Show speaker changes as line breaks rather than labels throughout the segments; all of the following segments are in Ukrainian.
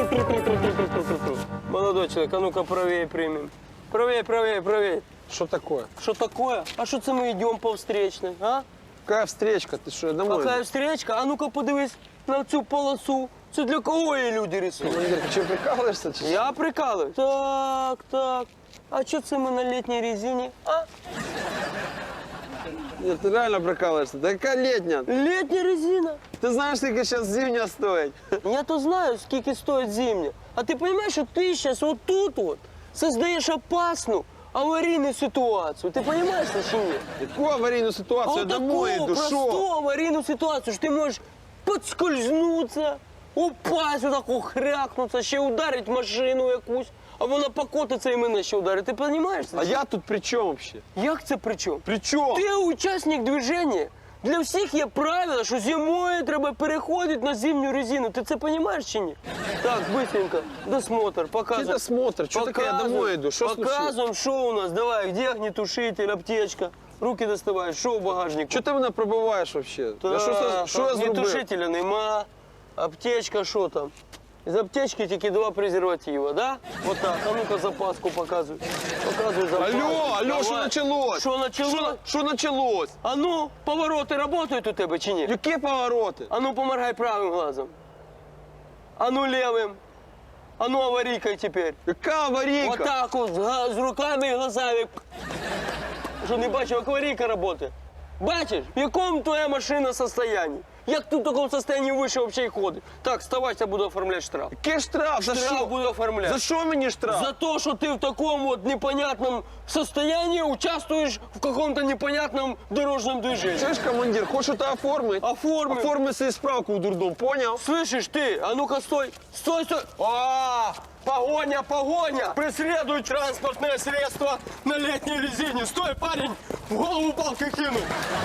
Молодой человек, а ну-ка правее примем. Правее, правее, правее.
Что такое?
Что такое? А що це ми йдемо по встречной, а?
Какая встречка? Ты что, я домой?
Какая встречка? А ну-ка подивись на цю полосу. Це для кого її люди рисують?
Командир, ты что, прикалываешься? Чи що?
Я прикалываю. Так, так. А що це ми на літній резині? А?
Нет, ты реально прикалываешься. Да какая летняя?
Літня резина.
Ты знаешь, сколько сейчас зимняя стоит?
Я то знаю, скільки стоїть зимня. А ти розумієш, що ти зараз отут от создаєш опасну аварійну ситуацію. Ти розумієш це чи ні?
Какую аварийную ситуацию? Я домой иду,
просту
шо?
аварійну ситуацію, що ти можеш підскользнутися, упасть, отак ухрякнутися, ще ударить машину якусь, а вона покотиться і мене ще ударить. Ти розумієш це?
А я тут при чем вообще?
Як це при чому?
При чем?
Ти учасник движення. Для всіх є правила, що зимою треба переходити на зимню резину. Ти це розумієш чи ні? Так, быстренько, досмотр,
Какой
показуй.
досмотр? Что такое? Я домой иду. Что случилось?
Показуємо, що у нас. Давай, где огнетушитель, аптечка. Руки доставай, що в багажнику?
Что ты меня пробываешь вообще?
Так,
Я что я зробив?
огнетушителя нема. Аптечка, що там? З аптечки тільки 2 презерватива, да? Вот так, а ну-ка запаску показуй. Показуй запаску.
Алло, что
Давай.
началось?
Що началось?
Что началось?
А ну, повороти працюють у тебе чи ні?
Какие повороты?
А ну, поморгай правым глазом. А ну, левым. А ну, аварийкой теперь.
Какая аварийка?
Вот так вот, с руками и глазами. Що, не бачив, як аварійка працює? Бачиш, в якому твоя машина состоянии? Як ти в такому состоянии вийшов взагалі ходить? Так, вставай, я буду оформляти штраф.
Какой штраф? За
Штраф
что?
буду оформляти.
За что мне штраф?
За то, что ты в таком вот непонятном состоянии участвуешь в каком-то непонятном дорожном движении.
Слышь, командир, хочешь это оформить?
Оформи.
Оформи себе справку в дурдом, понял?
Слышишь ты? А ну-ка стой! Стой, стой! А, погоня, погоня! Преследуй транспортное средство на летней резине! Стой, парень! В голову палкой кинул!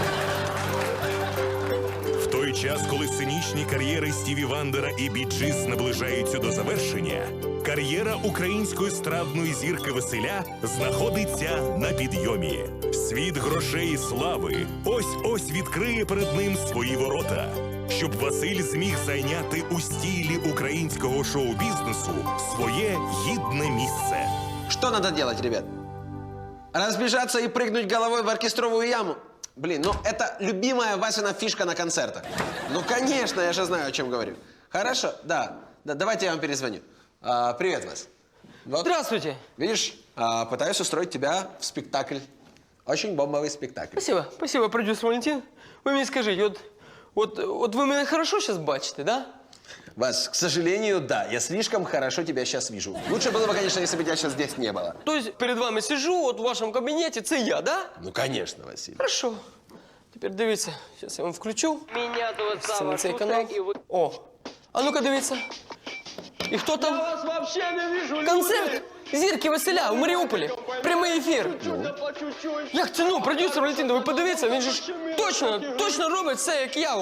В той час, коли сценічні кар'єри Стіві Вандера і Бі Джіс наближаються до завершення, кар'єра української естрадної зірки Василя знаходиться на підйомі. Світ грошей і слави ось-ось відкриє перед ним свої ворота. Щоб Василь зміг зайняти у стілі українського шоу-бізнесу своє гідне місце.
Что надо делать, ребят? Разбежаться и прыгнуть головой в оркестровую яму? Блин, ну это любимая Васина фишка на концертах. Ну, конечно, я же знаю, о чем говорю. Хорошо, да, давайте я вам перезвоню. Привет, Вась. Вот,
Здравствуйте!
видишь, пытаюсь устроить тебя в спектакль. Очень бомбовый спектакль.
Спасибо, спасибо, продюсер Валентин. Ви мені скажіть, от ви мене хорошо зараз бачите, да?
Вась, к сожалению, да, я слишком хорошо тебя сейчас вижу. Лучше было бы, конечно, если бы тебя сейчас здесь не было.
То есть перед вами сижу, от в вашому кабінеті, це я, да?
Ну, конечно, Василий.
Хорошо. Тепер дивіться, зараз я вам включу.
Меня зовут
Це на
Сава
цей
Шустер,
канал.
и вы...
О, а ну-ка дивіться. І хто там?
вас вообще не вижу, люди!
Концерт зірки Василя в Маріуполі. Прямий ефір.
По чуть-чуть.
Як це, ну, продюсер Валентин, ви подивіться, він же ж точно робить все, як я,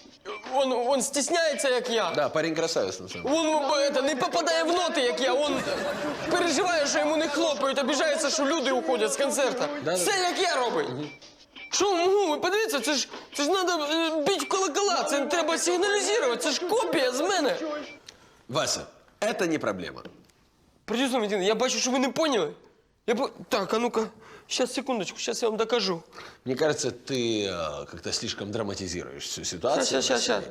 он стісняється, як я.
Да, парень красавец, на самом деле.
Он не попадає в ноти, як я. Он переживає, що йому не хлопають, обіжається, що люди уходять з концерту. Все, як я робить. Що, ви подивіться, це ж треба бити в колокола, це треба сигналізувати, це ж копія з мене.
Вася, это не проблема.
Продюсер Валентин, я бачу, що ви не поняли. Так, а ну-ка, сейчас, секундочку, сейчас я вам докажу.
Мне кажется, ты как-то слишком драматизируешь всю ситуацию.
Щас.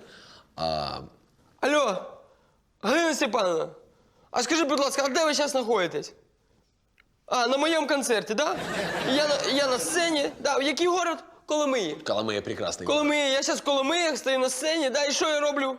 Алло, Галина Степановна, а скажи, будь ласка, а де ви зараз знаходитесь? А, на моєму концерті, да? Я на сцені, да, який город? Коломиї.
Коломия прекрасный.
Коломиї, я зараз в Коломиях стою на сцені, да, і що я роблю?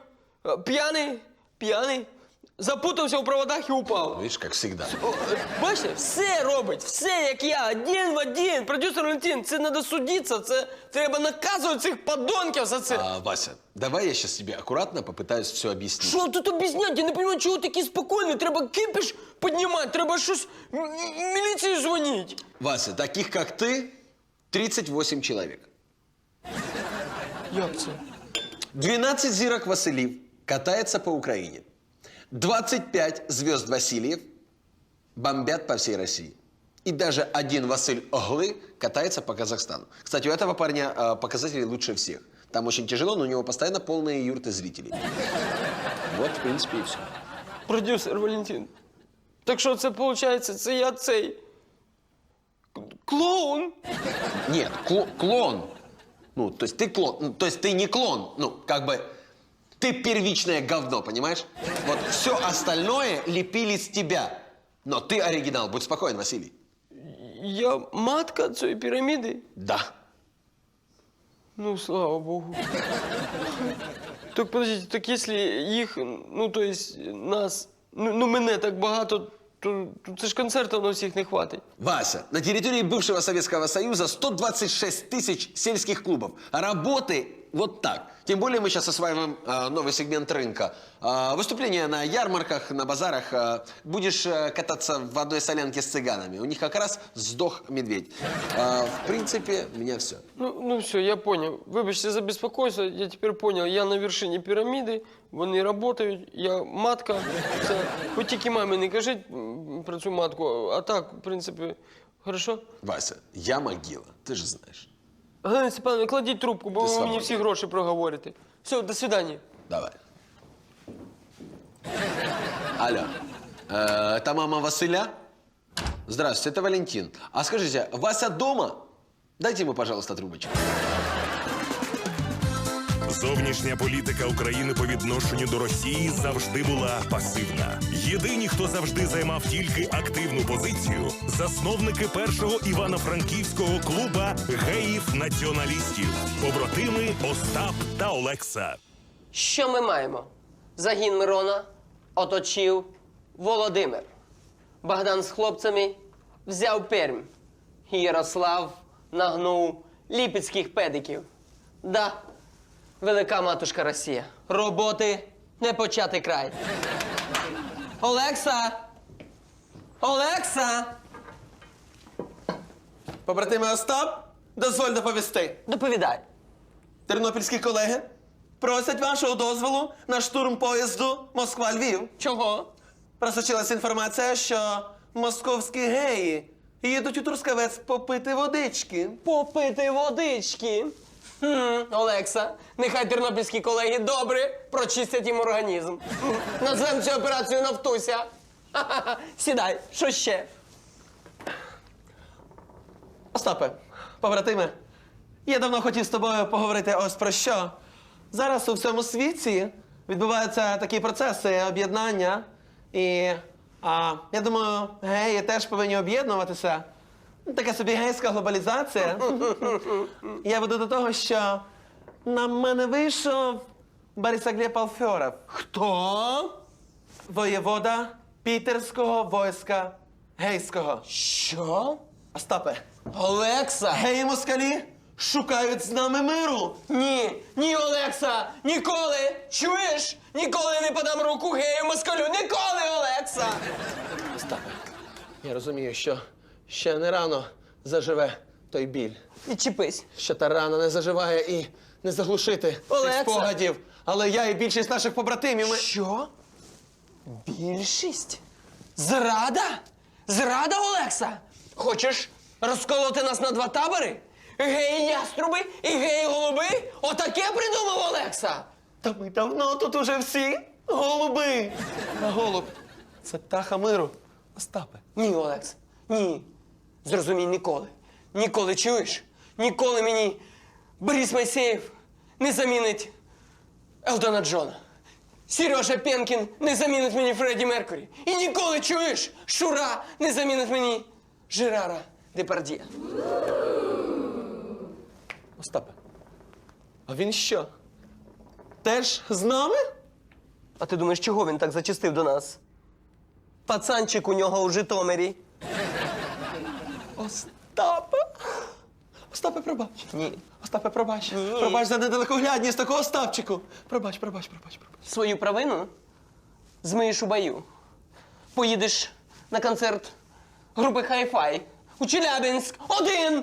П'яний, запутався у проводах і упав.
Видишь, как всегда.
Бачите, все робить, все як я, один в один. Продюсер Валентин, це треба судитися, це треба наказувати цих подонків за це.
Вася, давай я сейчас тебе аккуратно попытаюсь все объяснить.
Що тут об'ясняти? Я не розумію, чого такі спокійні. Треба кипіш піднімати, треба щось міліції дзвонити.
Вася, таких как ты 38 человек.
Як це?
12 зирок Василий катается по Украине. 25 звезд Васильев бомбят по всей России. И даже один Василь Оглы катается по Казахстану. Кстати, у этого парня показатели лучше всех. Там очень тяжело, но у него постоянно полные юрты зрителей. Вот, в принципе, и все.
продюсер Валентин. Так що це виходить, це я цей клоун?
Нет, клон. Ну, то есть ты клон. Ну, то есть ты не клон. Ну, как бы ты первичное говно, понимаешь? Вот все остальное лепили с тебя. Но ты оригинал. Будь спокоен, Василий.
Я матка цієї піраміди?
Да.
Ну, слава Богу. Так, подождите, так если їх, ну, то есть нас, ну мене так багато, то це ж концертів на всіх не хватить.
Вася, на территории бывшего Советского Союза 126 тысяч сельских клубов. Работы вот так. Тем более мы сейчас осваиваем новый сегмент рынка. Выступления на ярмарках, на базарах. Будешь кататься в одной солянке с цыганами. У них как раз сдох медведь. В принципе, у меня все.
Ну все, я понял. Вибачте за беспокойство, я тепер понял. Я на вершині піраміди, вони працюють, я матка. Це, хоч тільки мамі не кажіть про цю матку, а так, в принципі, хорошо?
Вася, я могила, ты же знаешь.
Галина Степановна, кладіть трубку, бо ви
свободен.
мені всі гроші проговорите. Все, до свидання.
Давай. Алло, это мама Василя? Здравствуйте, это Валентин. А скажите, Вася дома? Дайте ему, пожалуйста, трубочку.
Зовнішня політика України по відношенню до Росії завжди була пасивна. Єдині, хто завжди займав тільки активну позицію – засновники першого Івано-Франківського клуба геїв-націоналістів, побратими Остап та Олекса.
Що ми маємо? Загін Мирона оточив Володимир. Богдан з хлопцями взяв Пермь. Ярослав нагнув ліпецьких педиків. Да, велика матушка Росія. Роботи не почати край. Олекса! Олекса!
Побратими Остап, дозволь доповісти.
Доповідай.
Тернопільські колеги просять вашого дозволу на штурм поїзду Москва-Львів.
Чого?
Просочилась інформація, що московські геї їдуть у Трускавець попити водички.
Попити водички. Олекса, нехай тернопільські колеги добре прочистять їм організм. Назвемо цю операцію «Нафтуся». Ха-ха-ха. Сідай, що ще?
Остапе, побратиме, я давно хотів з тобою поговорити ось про що. Зараз у всьому світі відбуваються такі процеси об'єднання. І я думаю, геї теж повинні об'єднуватися. Така собі гейська глобалізація. Я веду до того, що на мене вийшов Борисоглеб Алферов.
Хто?
Воєвода Пітерського войска гейського.
Що?
Остапе,
Олекса!
геї-москалі шукають з нами миру.
Ні, Олекса! Ніколи! Чуєш? Ніколи не подам руку гею москалю! Ніколи, Олекса!
Остапе, я розумію, що ще не рано заживе той біль.
Відчепись.
Що та рана не заживає і не заглушити
Олекса!
цих спогадів. Але я і більшість наших побратимів, ми...
Що? Більшість? Зрада? Зрада, Олекса? Хочеш розколоти нас на два табори? Геї-яструби і геї-голуби? Отаке придумав Олекса?
Та ми давно тут уже всі голуби. А голуб – це птаха миру. Остапе.
Ні, Олекс, ні. Зрозумій, ніколи. Ніколи, чуєш? Ніколи мені Борис Майсеєв не замінить Елтона Джона. Сережа Пенкін не замінить мені Фредді Меркурі. І ніколи, чуєш, Шура не замінить мені Жерара Депардьє.
Остапе. А він що? Теж з нами?
А ти думаєш, чого він так зачастив до нас? Пацанчик у нього у Житомирі.
Остапе? Остапе, пробач.
Ні.
Остапе, пробач. Пробач за недалекоглядність такого Остапчику. Пробач.
Свою провину змиєш у бою. Поїдеш на концерт групи Хай-Фай у Челябинськ один.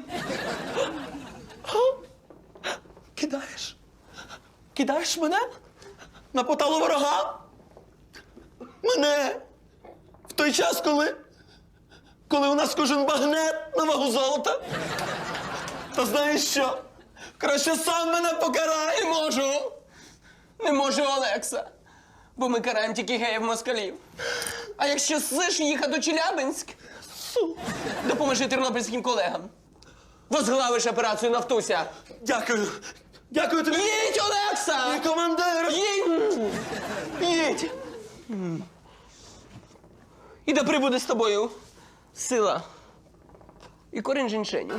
Кидаєш? Кидаєш мене? На поталу ворога? Мене? В той час, коли у нас кожен багнет на вагу золота? Та знаєш що? Краще сам мене покарай!
Не можу, Олекса. бо ми караємо тільки геїв-москалів. А якщо ссиш їхати у Челябинськ, допоможи тернопільським колегам. Возглавиш операцію «Нафтуся».
Дякую. Дякую тобі.
Їдь, Олекса!
Мій командир.
Їдь! І да прибуде з тобою сила і корінь жіншеню.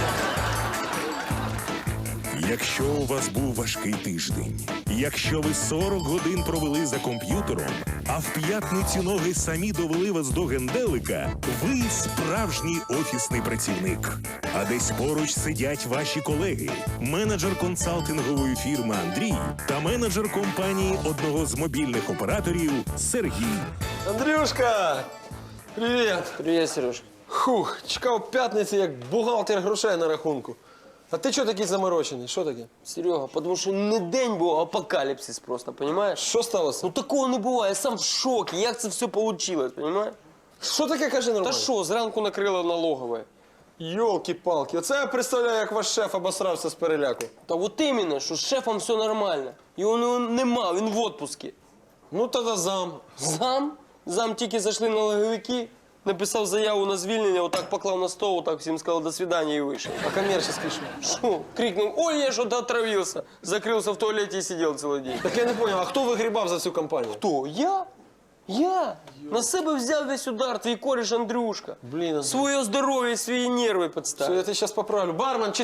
Якщо у вас був важкий тиждень, якщо ви 40 годин провели за комп'ютером, а в п'ятницю ноги самі довели вас до генделика, ви справжній офісний працівник. А десь поруч сидять ваші колеги, менеджер консалтингової фірми Андрій та менеджер компанії одного з мобільних операторів Сергій.
Андрюшка! Привіт!
Привіт, Сереж.
Хух, чекав п'ятниці, як бухгалтер грошей на рахунку. А ти чого такий заморочений? Що таке?
Серега, тому що не день був, а апокаліпсис просто, розумієш?
Що сталося?
Ну такого не буває, я сам в шокі, як це все вийшло, розумієш?
Що таке, кажи
Та
нормально?
що, зранку накрило налогове.
Йолки-палки, оце я представляю, як ваш шеф обосрався з переляку.
Та от іменно, що з шефом все нормально. Його нема, він в отпуску.
Ну, тоді зам.
Зам тільки зайшли налоговики, написав заяву на звільнення, отак поклав на стол, отак всім сказав «до свидания» і вийшов.
А коммерческий що?
Що? Крикнув, ой, я что-то отравился. Закрылся в туалете и сидел целый день.
Так я не понял, а хто вигрібав за цю компанію?
Хто? Я? Я? На себе взяв весь удар, твій кореш Андрюшка.
Блін, Андрій.
Своє здоров'я і свої нерви
Все,
підставив.
я тебе зараз поправлю. Бармен,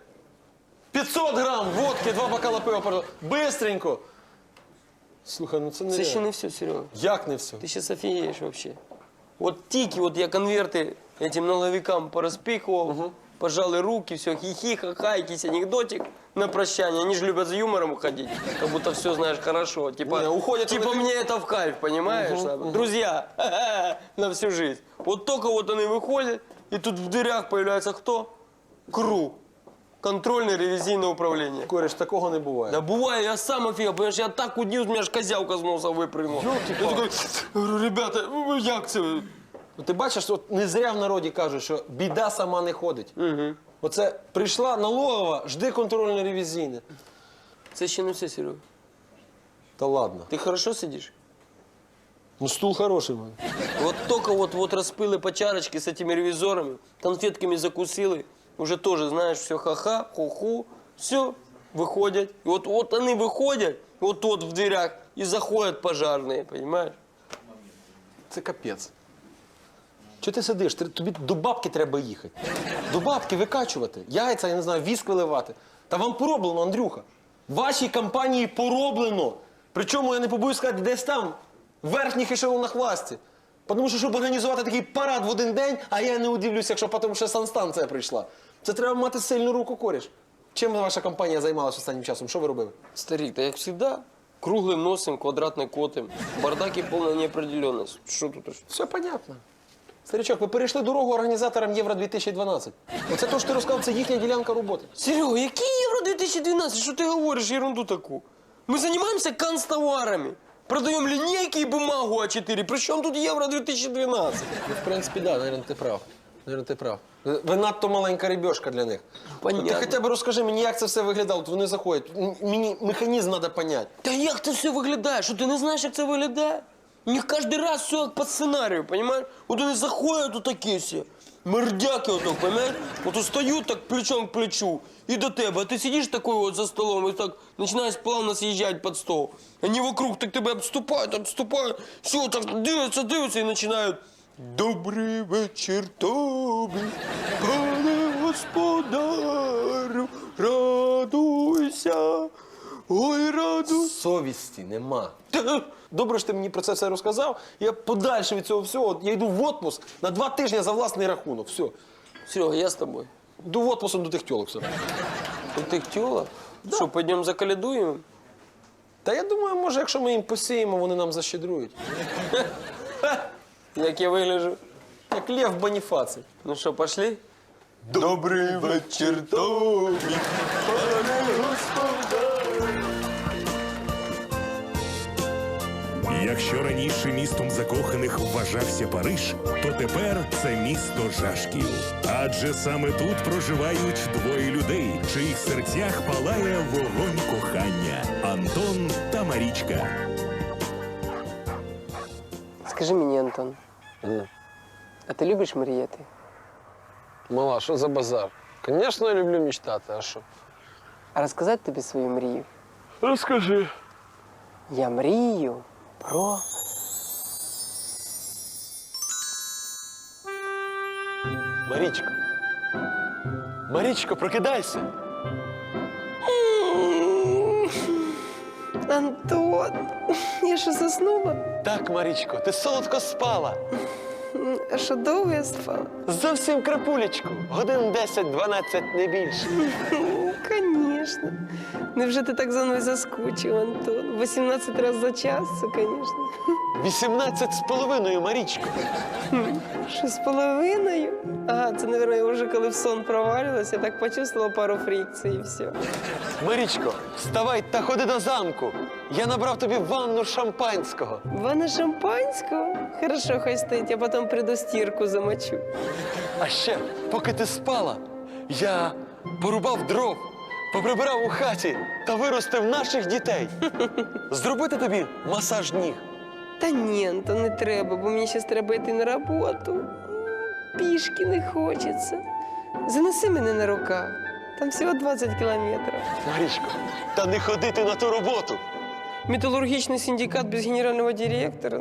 500 грам водки, 2 бокала пива, пожалуйста. Быстренько. Слухай, ну це не
Це ще
реально.
не все, Серега.
Як не все?
Ти зараз офігієш вообще. От тільки от я конверти этим налоговикам порозпихував, пожали руки, все, хихи, ха-ха, якийсь анекдотик на прощание. Они же любят с юмором уходить, как будто все знаешь хорошо. Типа,
Не, уходят
типа
они-
мне это в кайф, понимаешь? Друзья, на всю жизнь. Вот только вот они выходят, и тут в дырях появляется кто? КРУ. Контрольно-ревизийное управление.
Кореш, такого не буває.
Да бывает, я сам офигел, понимаешь, я так удивился, у меня аж козявка с носа выпрыгнула. Я такой, говорю, ребята, як це?
Ну, ти бачиш, от не зря в народі кажуть, що біда сама не ходить. Оце прийшла налогова, жди контрольно-ревізійне.
Це ще не все, Серега.
Та ладно.
Ти хорошо сидиш?
Ну стул хороший в мене.
Вот только вот распыли по чарочке с этими ревизорами, конфетками закусили, уже тоже, знаешь, все ха-ха, ху-ху, все, выходят. И вот они выходят, вот тут в дверях, и заходят пожарные, понимаешь?
Це капець. Чого ти сидиш? Тобі до бабки треба їхати. До бабки викачувати. Яйця, я не знаю, віск виливати. Та вам пороблено, Андрюха. Вашій компанії пороблено. Причому, я не побоюсь сказати, десь там, в верхніх ешелонах власті. Тому що, щоб організувати такий парад в один день, а я не удивлюся, якщо потім ще санстанція прийшла. Це треба мати сильну руку, кореш. Чим ваша компанія займалася останнім часом? Що ви робили?
Старик, да як всегда, круглым носом, квадратной котом, бардак и полная неопределенность. Что тут?
Все понятно. Старичок, ви перейшли дорогу організаторам Євро-2012. Оце то, що ти розказав, це їхня ділянка роботи.
Серега, який Євро 2012? Що ти говориш ерунду таку? Ми займаємося канцтоварами. Продаємо лінійки і бумагу А4. При чому тут Євро 2012?
Ну, в принципі, да, наверное, ти прав. Наверное, ти прав. Ви надто маленька рибешка для них.
Понятно.
Ти хоча б розкажи мені, як це все виглядало. От вони заходять. Мені механізм треба поняти.
Та як це все виглядає? Що ти не знаєш, як це виглядає? У них кожен раз все як по сценарію, понимаешь? От вони заходять отакі всі, мердяки отак, понимаешь? От устають так плечом к плечу і до тебе, а ти сидиш такой вот за столом і так починаєш плавно з'їжджати під стол. Вони вокруг так тебе обступають, все, так дивляться і починають. Добрий вечір тобі, пане господарю, радуйся, ой, радуйся.
Совісті нема. Добре, що ти мені про це все розказав. Я подальше від цього всього. Я йду в отпуск на 2 тижні за власний рахунок. Все.
Серега, я з тобою.
Йду в отпуск до тих тьолок. Все.
У тих тьолок? Що, пойдемо заколядуємо?
Та я думаю, може, якщо ми їм посіємо, вони нам защедрують.
Як я вигляджу?
Як Лев Боніфаций.
Ну що, пошли? Добрий вечір тобі, пане господар.
Якщо раніше містом закоханих вважався Париж, то тепер це місто жашків. Адже саме тут проживають двоє людей, в чиїх серцях палає вогонь кохання – Антон та Марічка.
Скажи мені, Антон, а ти любиш мріяти?
Мала, що за базар? Звісно, я люблю мечтати, а що?
А розказати тобі свою мрію?
Розкажи.
Я мрію про...
Марічко. Марічко, прокидайся.
Антон, я що заснула?
Так, Марічко, ти солодко спала.
А що довго я спала?
Зовсім крапулечку. Годин 10-12, не більше.
Конечно. Невже ти так за мною заскучив, Антон? 18 разів за час, це, конечно.
18,5, Марічко.
6,5? Ага, це, мабуть, я вже коли в сон провалилась, я так почувствовала пару фрикцій і все.
Марічко, вставай та ходи до замку. Я набрав тобі ванну шампанського.
Ванна шампанського? Хорошо, хай стоїть, я потім прийду стірку замочу.
А ще, поки ти спала, я порубав дров, поприбирав у хаті та виростив наших дітей. Зробити тобі масаж ніг.
Та ні, Антон, не треба, бо мені зараз треба йти на роботу. Пішки не хочеться. Занеси мене на руках. Там всього 20 кілометрів.
Марічко, та не ходити на ту роботу.
Металлургичный синдикат без генерального директора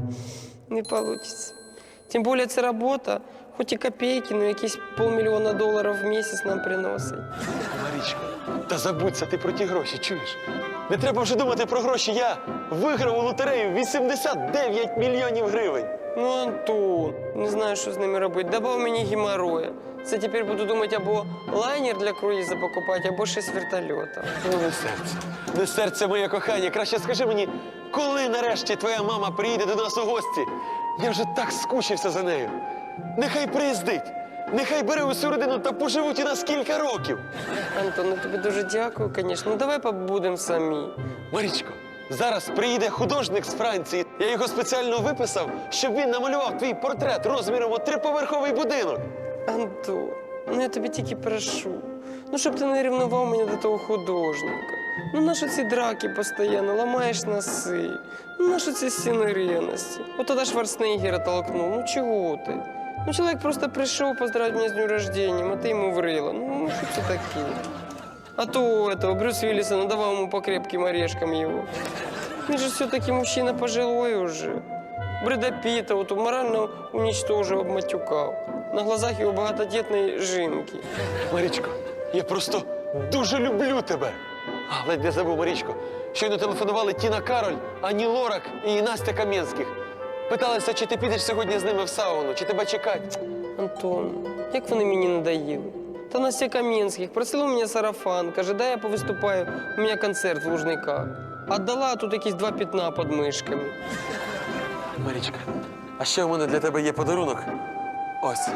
не получится. Тим більше це робота, хоч і копійки, але якісь $500 000 в місяць нам приносить.
Марічко, та забудься ти про ті гроші, чуєш? Не треба вже думати про гроші. Я виграв у лотерею 89 мільйонів гривень.
Ну, Антон, не знаю, що з ними робити. Добав мені геморроя. Це тепер буду думати або лайнер для круїза покупати, або 6 вертольотів.
Ну, не серце. Не серце, моє кохання. Краще скажи мені, коли нарешті твоя мама приїде до нас у гості? Я вже так скучився за нею. Нехай приїздить. Нехай бере усю родину та поживуть у нас кілька років.
Антон, я тобі дуже дякую, звісно. Ну, давай побудемо самі.
Марічко, зараз приїде художник з Франції. Я його спеціально виписав, щоб він намалював твій портрет розміром у 3-поверховий будинок.
Антон, ну я тобі тільки прошу. Ну, щоб ти не ревнував мене до того художника. Ну, нащо ці драки постійно, ламаєш носи? Ну, нащо ці стіни ревності? От тоді Шварценеггера толкнув. Ну, чого ти? Ну, чоловік просто прийшов поздравити мене з днем рождения, а ти йому врила. Ну, що це таке? А то у этого Брюс Виллиса надавал ему по крепким орешкам его. Он же все-таки мужчина пожилой уже. Брэда Питта вот морально уничтожил, обматюкал. На глазах его багатодетной жінки.
Марічко, я просто дуже люблю тебе. А, ледь не забув, Марічко. Щойно телефонували Тіна Кароль, Ані Лорак і Настя Кам'янських. Питалися, чи ти підеш сьогодні з ними в сауну, чи тебе чекати.
Антон, як вони мені надоїли. Та Настя Кам'янських просила у мене сарафан, каже, дай я повиступаю, у мене концерт в Лужниках. Отдала, а тут якісь 2 пятна під мишками.
Марічка, а ще у мене для тебе є подарунок. Ось.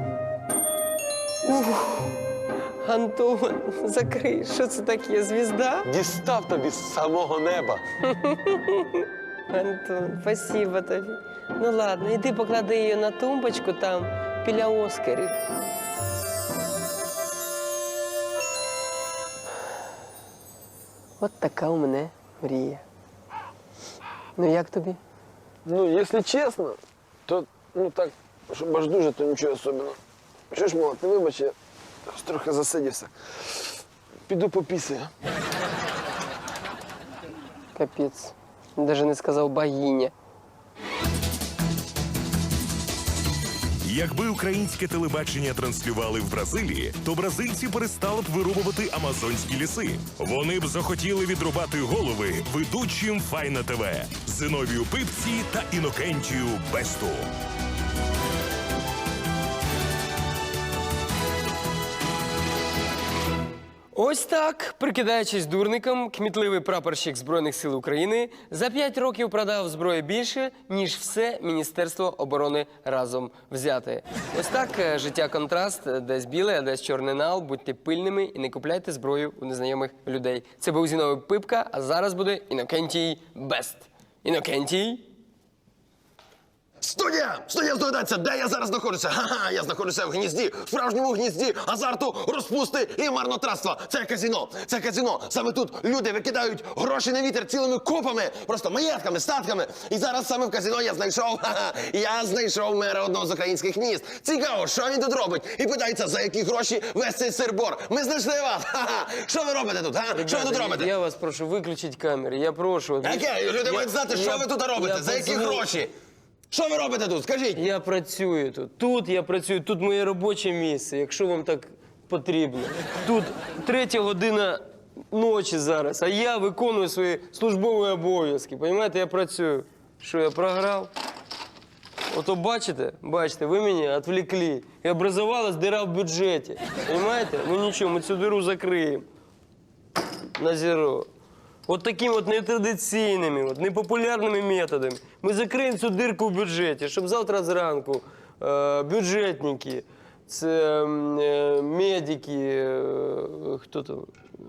Антон, закрий, що це таке, звізда?
Дістав тобі з самого неба.
Антон, спасибо тобі. Ну ладно, іди поклади її на тумбочку там, біля Оскарів. От така у мене мрія. Ну як тобі?
Ну, якщо чесно, то, ну так, щоб аж дуже, то нічого особливого. Що ж, мала, ти вибач, я трохи засидівся. Піду попісаю.
Капець. Даже не сказав богиня.
Якби українське телебачення транслювали в Бразилії, то бразильці перестали б вирубувати амазонські ліси. Вони б захотіли відрубати голови ведучим Файна ТВ Зиновію Пипці та Інокентію Бесту.
Ось так, прикидаючись дурником, кмітливий прапорщик Збройних сил України за 5 років продав зброї більше, ніж все Міністерство оборони разом взяте. Ось так, життя контраст, десь білий, а десь чорний нал. Будьте пильними і не купляйте зброю у незнайомих людей. Це був Зіновий Пипка, а зараз буде Інокентій Бест. Інокентій.
Студія! Студія, здогадаться, де я зараз знаходжуся? Ха-ха, я знаходжуся в гнізді, в справжньому гнізді азарту, розпусти і марнотратства. Це казино, це казино. Саме тут люди викидають гроші на вітер цілими купами, просто маєтками, статками. І зараз саме в казино я знайшов мера одного з українських міст. Цікаво, що він тут робить? І питається, за які гроші весь цей сир-бор. Ми знайшли вас. Ха-ха. Що ви робите тут? Що ви тут робите?
Я вас прошу, виключіть камери, я прошу.
Яке? Люди мають знати, що ви тут робите, за які гроші. Що ви робите тут? Скажіть.
Я працюю тут. Тут я працюю, тут моє робоче місце, якщо вам так потрібно. Тут 3 година ночі зараз, а я виконую свої службові обов'язки. Понімаєте, я працюю. Що, я програв? Ото бачите, ви мене відвлекли. І образувалась дира в бюджеті. Понімаєте? Ну нічого, ми цю диру закриємо. На зеро. От такими от нетрадиційними, от непопулярними методами ми закриємо цю дирку в бюджеті, щоб завтра зранку бюджетники, це медики, хто там,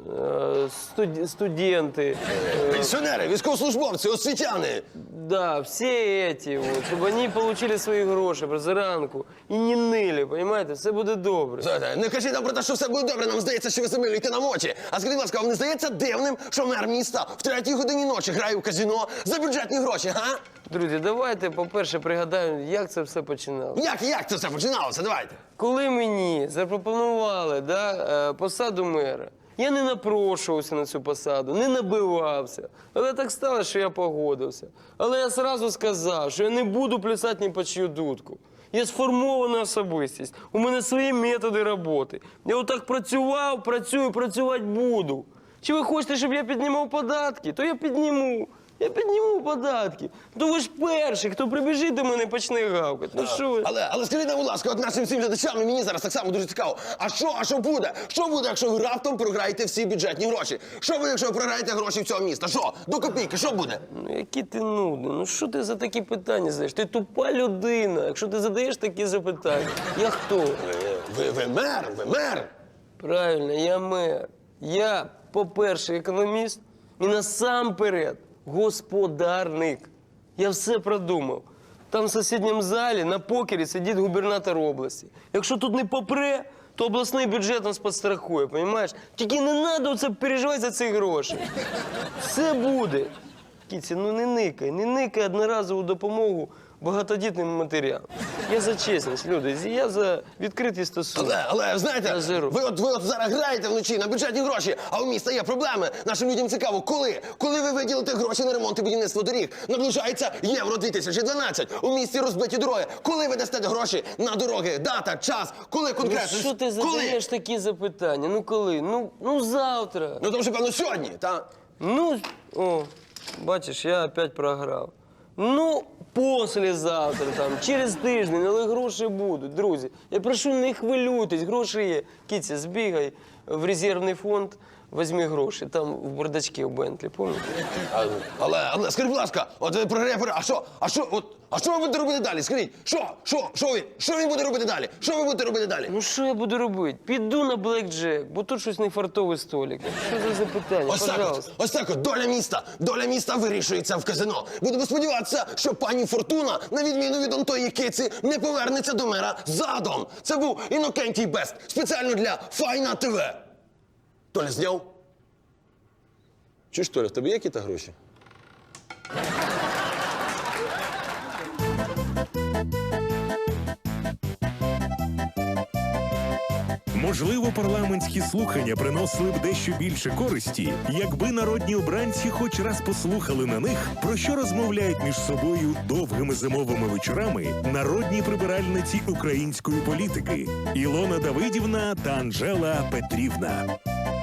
студенти,
Пенсіонери, військовослужбовці, освітяни.
да, всі эти, вот, щоб вони отримали свої гроші зранку і не нили, понимаете, все буде добре.
Слухайте, не кажіть нам про те, що все буде добре, нам здається, що ви замилюєте нам очі. А скажіть, будь ласка, вам не здається дивним, що мер міста в 3 годині ночі грає у казино за бюджетні гроші, га?
Друзі, давайте, по-перше, пригадаємо, як це все починалося.
Як це все починалося? Давайте.
Коли мені запропонували посаду мера, я не напрошувався на цю посаду, не набивався. Але так сталося, що я погодився. Але я одразу сказав, що я не буду плясати ні по чию дудку. Я сформована особистість, у мене свої методи роботи. Я отак працював, працюю, працювати буду. Чи ви хочете, щоб я піднімав податки? То я підніму. Я підніму податки. То ви ж перший, хто прибіжить до мене і почне гавкати. Ну що ви?
Але скажіть нам, будь ласка, от нашим всім глядачам, і мені зараз так само дуже цікаво. А що буде? Що буде, якщо ви раптом програєте всі бюджетні гроші? Що буде, якщо ви програєте гроші всього міста? Що? До копійки, що буде?
Ну, які ти нудний. Ну, що ти за такі питання задаєш? Ти тупа людина. Якщо ти задаєш такі запитання. Я хто?
Ви мер.
Правильно, я мер. Я, по-перше, економіст і насамперед господарник. Я все продумав. Там в сусідньому залі на покері сидить губернатор області. Якщо тут не попре, то обласний бюджет нас підстрахує, розумієш? Тільки не треба оце переживати за ці гроші. Все буде. Кіці, ну не никай одноразову допомогу багатодітним матерям. Я за чесність, люди, я за відкриті стосунки.
Але знаєте,
Я зиру.
ви от зараз граєте вночі на бюджетні гроші, а у міста є проблеми. Нашим людям цікаво, коли ви виділите гроші на ремонт і будівництво доріг? Наближається Євро 2012. У місті розбиті дороги. Коли ви дасте гроші на дороги? Дата, час, коли
Ну
конкретно?
що ти задаєш такі запитання? Ну коли? Ну завтра.
Ну, тому що, певно, сьогодні, так?
Ну, бачиш, я опять програв. Ну, послезавтра, там, через тиждень, але гроші будуть, друзі. Я прошу, не хвилюйтесь, гроші є. Кіця, збігай в резервний фонд, візьми гроші, там в бардачці у Бентлі, пам'ятаєте?
Але скажіть, будь ласка, от ви програєте, а що ви будете робити далі? Скажіть, що він буде робити далі? Що ви будете робити далі?
Ну, що я буду робити? Піду на блекджек, бо тут щось не фартовий столик. Що за запитання? Пожалуйста.
Ось так от, доля міста вирішується в казино. Будемо сподіватися, що пані Фортуна, на відміну від онтої киці, не повернеться до мера задом. Це був Інокентій Бест, спеціально для Файна ТВ. Толя, зняв? Чуєш, Толя, в тебе є якісь гроші?
Можливо, парламентські слухання приносили б дещо більше користі, якби народні обранці хоч раз послухали на них, про що розмовляють між собою довгими зимовими вечорами народні прибиральниці української політики Ілона Давидівна та Анжела Петрівна.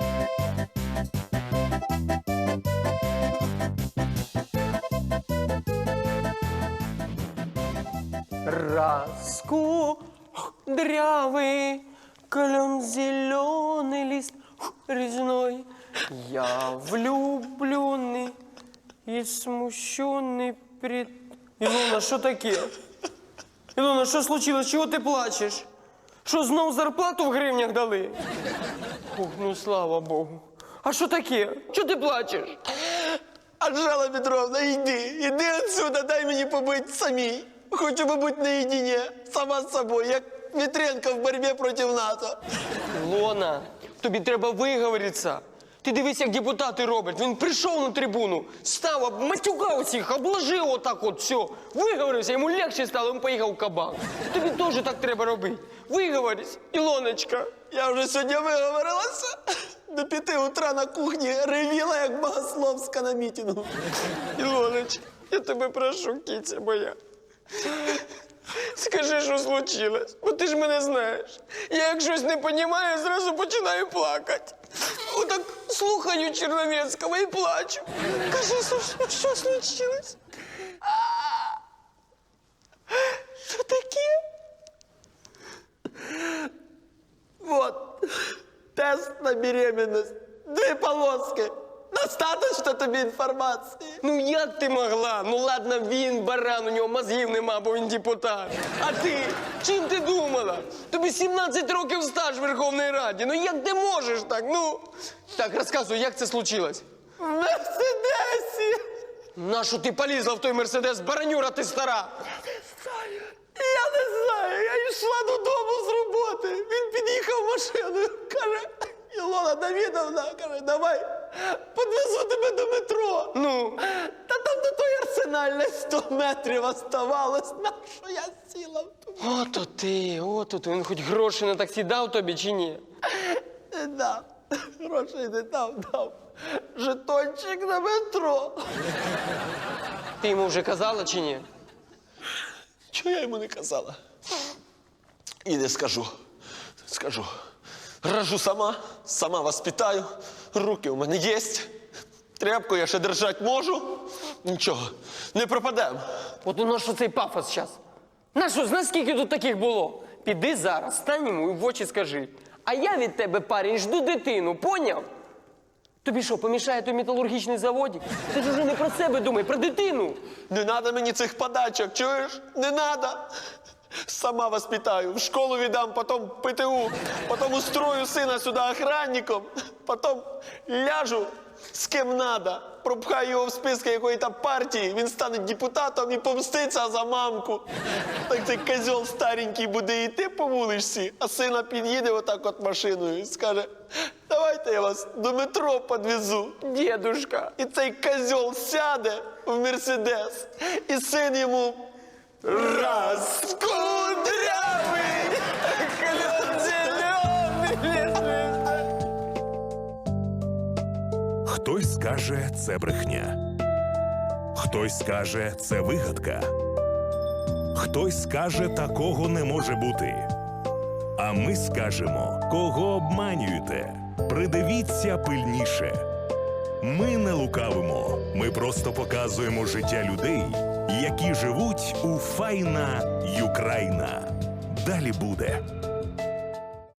Раскудрявый, клен зеленый лист резной. Я влюбленный и смущенный пред... Ілона, що таке? Ілона, що случилось? Чого ти плачеш? Що, знов зарплату в гривнях дали? Ох, ну слава Богу. А що таке? Чого ти плачеш?
Анжела Петровна, йди отсюда, дай мені побити самій.
Хочу побути наедине, сама з собою, як Вітренко в боротьбі проти НАТО.
Лона, тобі треба виговоритися. Ти дивись, як депутати роблять. Він прийшов на трибуну, став, матюкав усіх, обложив отак от все. Виговорився, йому легше стало, він поїхав в кабак. Тобі теж так треба робити. Виговорись, Ілоночка.
Я вже сьогодні виговорилася. До 5 утра на кухні ревіла, як Богословська на мітингу.
Ілоночка, я тебе прошу, кіця моя. Скажи, що случилось, бо ти ж мене знаєш. Я як щось не розумію, зразу починаю плакати. Отак слухаю Черновецького і плачу. Кажи, що случилось? Що таке?
Вот, тест на беременность. 2 полоски. Достаточно тобі інформації?
Ну як ти могла? Ну ладно, він баран, у нього мозгів нема, бо він депутат. А ти? Чим ти думала? Тобі 17 років стаж в Верховній Раді. Ну як ти можеш так? Ну. Так, розказуй, як це случилось?
В Мерседесі.
Нащо ти полізла в той Мерседес? Баранюра ти стара.
Я не знаю, я йшла додому з роботи. Він під'їхав машиною, каже, Ілона Давідовна, каже, давай, підвезу тебе до метро.
Ну?
Та там до той арсенальної 100 метрів оставалось, на що я сіла в ту.
Ото ти, ото ти. Він хоч гроші на таксі дав тобі чи ні?
Не дав. Грошей не дав. Жетончик на метро.
Ти йому вже казала чи ні?
Чого я йому не казала? І не скажу. Скажу. Рожу сама воспитаю, руки у мене є. Тряпку я ще держати можу. Нічого, не пропадемо.
От у нас що цей пафос зараз? Нащо, знаєш, скільки тут таких було? Піди зараз, стань йому і в очі скажи. А я від тебе, парень, жду дитину, поняв? Тобі що, помішає той металургічний заводик? Ти ж уже не про себе думай, про дитину.
Не треба мені цих подачок, чуєш? Не треба. Сама воспитаю, в школу віддам, потім ПТУ, потім устрою сина сюди охранником, потім ляжу з ким надо, пропхаю його в списки якої-то партії, він стане депутатом і помститься за мамку. Так цей козьол старенький буде йти по вулиці, а сина під'їде отак от машиною і скаже, давайте я вас до метро підвезу, дідушка. І цей козьол сяде в Мерседес, і син йому раз, кудрявий, клен зелений.
Хтось скаже, це брехня. Хтось скаже, це вигадка. Хтось скаже, такого не може бути. А ми скажемо, кого обманюєте. Придивіться пильніше. Ми не лукавимо. Ми просто показуємо життя людей, які живуть у файна Юкраїна. Далі буде.